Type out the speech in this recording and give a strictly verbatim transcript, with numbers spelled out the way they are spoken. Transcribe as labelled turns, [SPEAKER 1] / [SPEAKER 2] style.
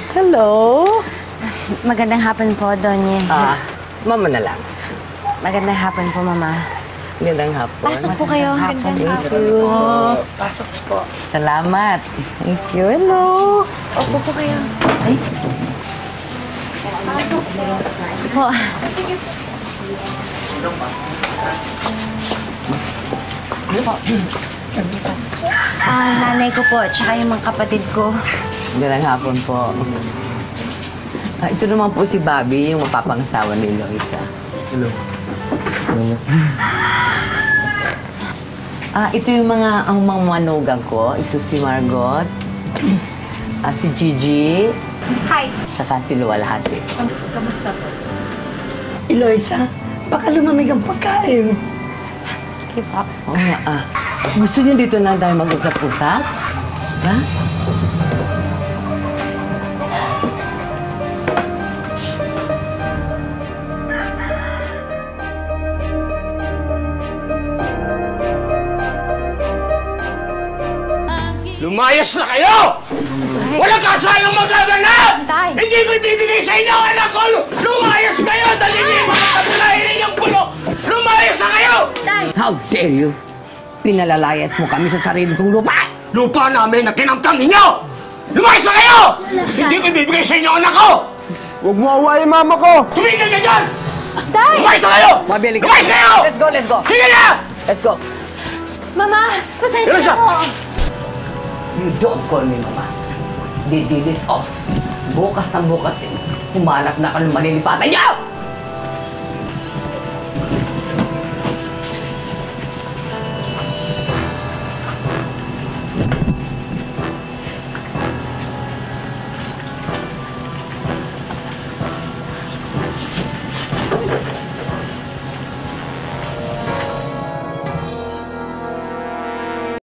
[SPEAKER 1] Hello?
[SPEAKER 2] Magandang hapon po, Donye.
[SPEAKER 1] Ah, mama na lang.
[SPEAKER 2] Magandang hapon po, Mama.
[SPEAKER 1] Magandang hapon.
[SPEAKER 2] Pasok po kayo. Magandang
[SPEAKER 1] Thank
[SPEAKER 2] hapon
[SPEAKER 1] you.
[SPEAKER 2] po. Pasok po.
[SPEAKER 1] Salamat. Thank you. Hello.
[SPEAKER 2] Opo po kayo.
[SPEAKER 1] Ay,
[SPEAKER 2] Pasok po. Sige po.
[SPEAKER 1] sige po.
[SPEAKER 2] Ah, nanay ko po, tsaka yung mga kapatid ko.
[SPEAKER 1] Magandang hapon po. Ah, ito naman po si Bobby, yung mapapangasawa ni Eloisa. Hello. Ah, ito yung mga ang mga manugang ko. Ito si Margot. Ah, si Gigi.
[SPEAKER 2] Hi.
[SPEAKER 1] Saka si Luwalhati.
[SPEAKER 2] Kamusta po?
[SPEAKER 3] Eloisa, baka lumamig ang pagkain.
[SPEAKER 2] Sige po.
[SPEAKER 1] Oo nga, ah. Gusto niyo dito na tayo mag-usap-usap? Ha?
[SPEAKER 4] Lumayas na kayo! Walang kasalang magaganap!
[SPEAKER 2] Tay!
[SPEAKER 4] Hindi ko ibibigay sa inyo, anak ko! Lumayas kayo! Dali niyo yung mga kapulahin ninyong pulo! Lumayas na kayo!
[SPEAKER 2] Tay!
[SPEAKER 1] How dare you? Pinalalayas mo kami sa sarili kong lupa!
[SPEAKER 4] Lupa namin na kinamtam ninyo! Lumayas na kayo! Hindi ko ibibigay sa inyo, anak ko!
[SPEAKER 3] Huwag mo awayin mama ko!
[SPEAKER 4] Tumigil ka dyan!
[SPEAKER 2] Tay!
[SPEAKER 4] Lumayas na kayo!
[SPEAKER 1] Mabili ka.
[SPEAKER 4] Lumayas kayo!
[SPEAKER 1] Let's go, let's go!
[SPEAKER 4] Sige na!
[SPEAKER 1] Let's go!
[SPEAKER 2] Mama! Pasensya
[SPEAKER 4] Eloisa!
[SPEAKER 2] na po!
[SPEAKER 1] You don't call me mama. Didilis off. Bukas ng bukas din. Humanap na ka ng malilipatan niyo!